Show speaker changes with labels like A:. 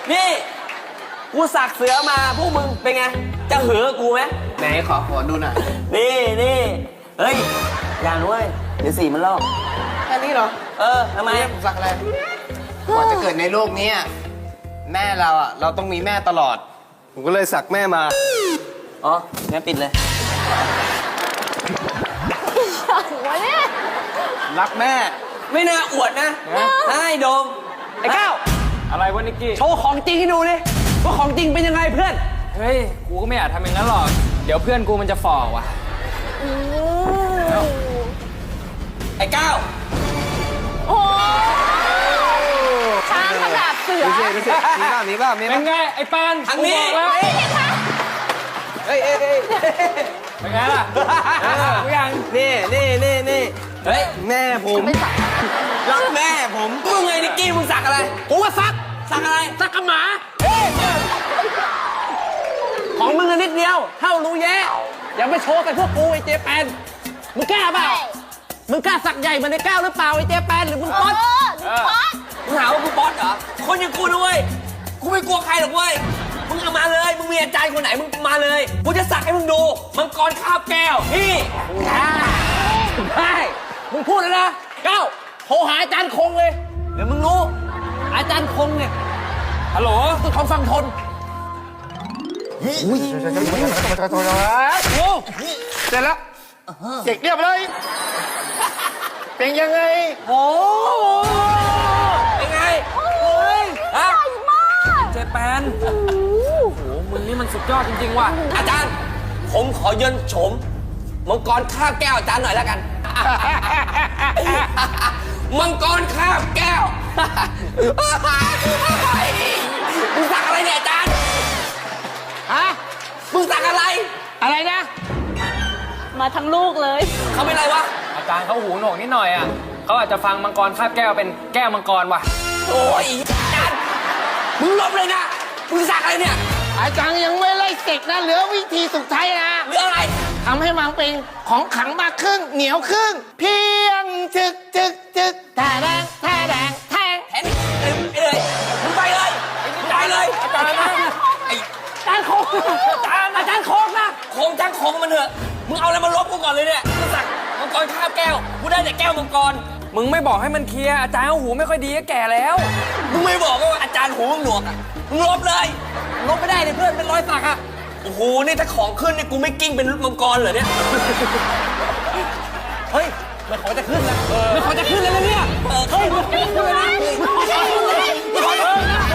A: นี่กูสักเสือมาพวกมึงเป็นไงจะเหือกูไหม
B: ไหนขอดูหน่อย
A: นี่เฮ้ยอย่านุ้ยเดี๋ยวสีมันลอก
B: แค่นี้เหรอ
A: ทำไม
B: ผมสักอะไรกว่าจะเกิดในโลกนี้แม่เราเราต้องมีแม่ตลอด ผมก็เลยสักแม่มา
A: อ๋องั้นปิดเลย
C: หัวเนี่ย
B: รักแม่
A: ไม่น่าอวดนะให้โดมไอ้ก้าว
D: อะไรวะนิกกี้
A: โชว์ของจริงให้ดูดิว่าของจริงเป็นยังไงเพื่อน
D: เฮ้ย กูก็ไม่อยากทำอย่างนั้นหรอก เดี๋ยวเพื่อนกูมันจะฝ่อว่ะ
A: ไอ้ก้าว
C: โอ้ช้างขนาดเสือ
B: ดูสิมีบ้าง
D: เป็นไง ไอ้ปาน
A: ทางนี้
D: กูบอกแล้ว
B: เอ้ย
D: เป็นไงล่ะกูยัง
B: นี่
A: เฮ้ย
B: แม่ผม
C: ไม่สัก
B: รักแม่ผม
A: มึงไงนิกกี้มึงสักอะไรกูก็สักอะไรสักกับหมาของมึงนิดเดียวเท่ารู้แย่อย่าไปโชว์กับพวกกูไอ้เจแปนมึงกล้าเปล่ามึงกล้าสักใหญ่เหมือนไอ้ก้าวหรือเปล่าไอ้เจแปนหรือมึงป๊อต
C: ป๊อต
A: มึงหาว่ากูป๊อตเหรอคนอย่างกูนะเว้ยกูไม่กลัวใครหรอกเว้ยมึงเอามาเลยมึงมีอาจารย์คนไหนมึงมาเลยกูจะสักให้มึงดูมังกรคาบแก้วนี่ได้มึงพูดแล้วนะก้าวโทรหาอาจารย์คงเลยเดี๋ยวมึงรู้อาจารย์คงเนี่ย
D: ฮัลโหล
A: สุดของฟังทน
B: โอ้เสร็จแล้วเสร็จเรียบร้อยเป็นยังไง
A: โอ้เป็นไงเฮ้ยฮะ
D: เจแปนโอ้โห มึงนี่มันสุดยอดจริงๆว่ะ
A: อาจารย์ผมขอเยินโฉมมังกรคาบแก้วอาจารย์หน่อยแล้วกัน มังกรคาบแก้วมึงสักอะไรเนี่ยอาจารย์ฮะมึงสักอะไรนะ
C: มาทั้งลูกเลย
A: เขาเป็นอะไรวะ
D: อาจารย์เขาหูหนวกนิดหน่อยอ่ะเขาอาจจะฟังมังกรคาบแก้วเป็นแก้วมังกรว่ะ
A: โอ้ยอาจารย์มึงลบเลยนะมึงสักอะไรเนี่ย
B: อาจารย์ยังไม่ไล่เสกนะเหลือวิธีสุดท้ายนะ
A: เรื่องอะไร
B: ทำให้มันเป็นของขลังมากครึ่งเหนียวครึ่งเพียงจึกแท่แดงแท่
A: แทนไปเลยมึงไปเลยไปเลยอาจารย์นะไอ้อาจารย์โคงอาจารย์โคงนะโคงจ้างโคงมันเถอะมึงเอาอะไรมาลบกูก่อนเลยเนี่ยมึงสักมังกรคาบแก้วกูได้แต่แก้วมังกร
D: มึงไม่บอกให้มันเคลียร์ อาจารย์เขาหูไม่ค่อยดีก็แก่แล้ว
A: มึงไม่บอกว่าอาจารย์หูมึงหนวกอ่ะมึงลบเลยลบไม่ได้เลยเพื่อนเป็นรอยสักอ่ะโอ้โหนี่ถ้าของขึ้นนี่กูไม่กิ้งเป็นมังกรเหรอเนี่ยเฮ้ยมันขอจะขึ้นแล้วมันขอจะขึ้นแล้วนะเนี่ยเฮ้ยมันขอจะขึ้นแล้วนะมันขอจะขึ้นแล้ว